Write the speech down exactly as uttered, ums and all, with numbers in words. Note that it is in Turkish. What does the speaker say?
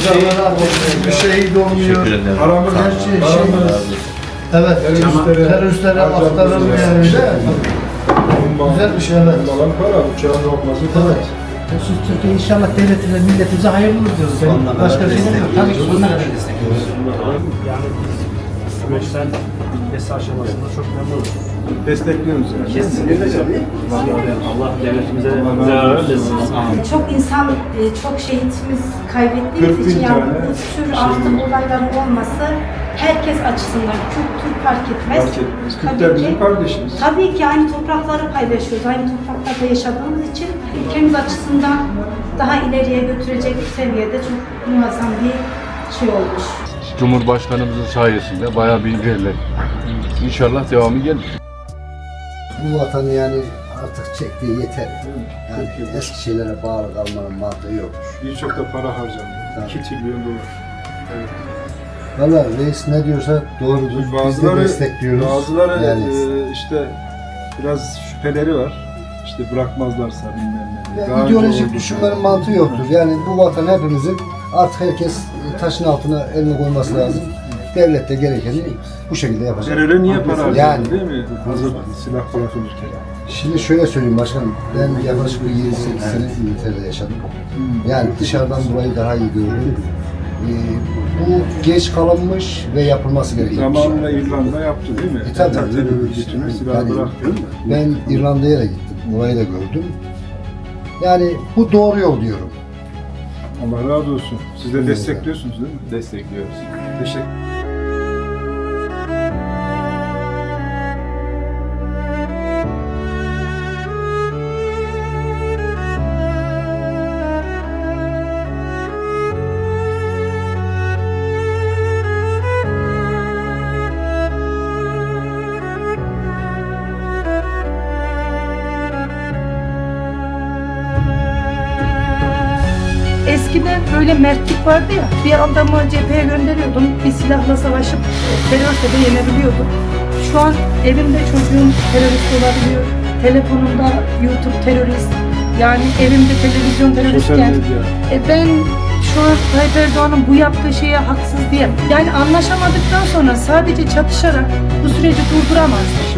insanlara ateş bir şehit olmuyor. Aramız Her şey şey. aramız. Evet, Teröristlere, teröristlere aktarılmıyor harcamıyoruz yani. yani. Güzel bir şey, evet. Alan para, uçağın olması Evet. Siz Türkiye inşallah devletimize, milletimize hayırlı olur diyoruz. Vallahi. Başka bir şey demiyorum. Tabii ki sonuna kadar destekliyoruz. Yani biz süreçten bitmesi aşamasında çok memnunuz. destekliyoruz yani. Kesinlikle tabii. Allah devletimize zarar vermesin. Çok insan, e, çok şehitimiz kaybettiğimiz kırk bin için yani tane bu tür artık olayların olması herkes açısından, Kürt, Türk fark etmez. Fark etmez. Tabii Kürtler ki- bizim kardeşimiz. Tabii ki aynı toprakları paylaşıyoruz, aynı topraklarda yaşadığımız için ülkemiz açısından daha ileriye götürecek seviyede çok muazzam bir şey olmuş. Cumhurbaşkanımızın sayesinde bayağı bir ilerledi. İnşallah devamı gelir. Bu vatanı yani artık çektiği yeter. Yani eski şeylere bağlı kalmanın mantığı yok. Birçok da para harcandı. iki trilyon dolar. Evet. Valla reis ne diyorsa doğrudur. Biz de Bazıları, destekliyoruz. bazıları yani, e, işte biraz şüpheleri var. İşte bırakmazlarsa bilmem ne. yani Daha ideolojik önce düşünmenin oldu. mantığı yoktur. Yani bu vatan hepimizin, artık herkes taşın altına elini koyması lazım. Devlet de gerekeni bu şekilde yapacak. Teröre niye para harcandı Yani. değil mi? Hazır silah bırakılırken. Şimdi şöyle söyleyeyim başkanım, ben yaklaşık bir yedi sekiz sene İngiltere'de yaşadım. Yani dışarıdan dolayı daha iyi gördüm. Ee, bu geç kalınmış ve yapılması gereken bir şey. Zamanında İrlanda yaptı değil mi? E, tabii. Terör örgütünü silah Yani bıraktı. ben İrlanda'ya da gittim, orayı da gördüm. Yani bu doğru yol diyorum. Allah razı olsun. Siz de destekliyorsunuz değil mi? Destekliyoruz. Teşekkür Eskiden böyle mertlik vardı ya, bir adamı cepheye gönderiyordum, bir silahla savaşıp teröriste de yenebiliyordum. Şu an evimde çocuğum terörist olabiliyor, telefonumda YouTube terörist, yani evimde televizyon teröristken, e ben şu an Tayyip Erdoğan'ın bu yaptığı şeye haksız diyemem. Yani anlaşamadıktan sonra sadece çatışarak bu süreci durduramaz.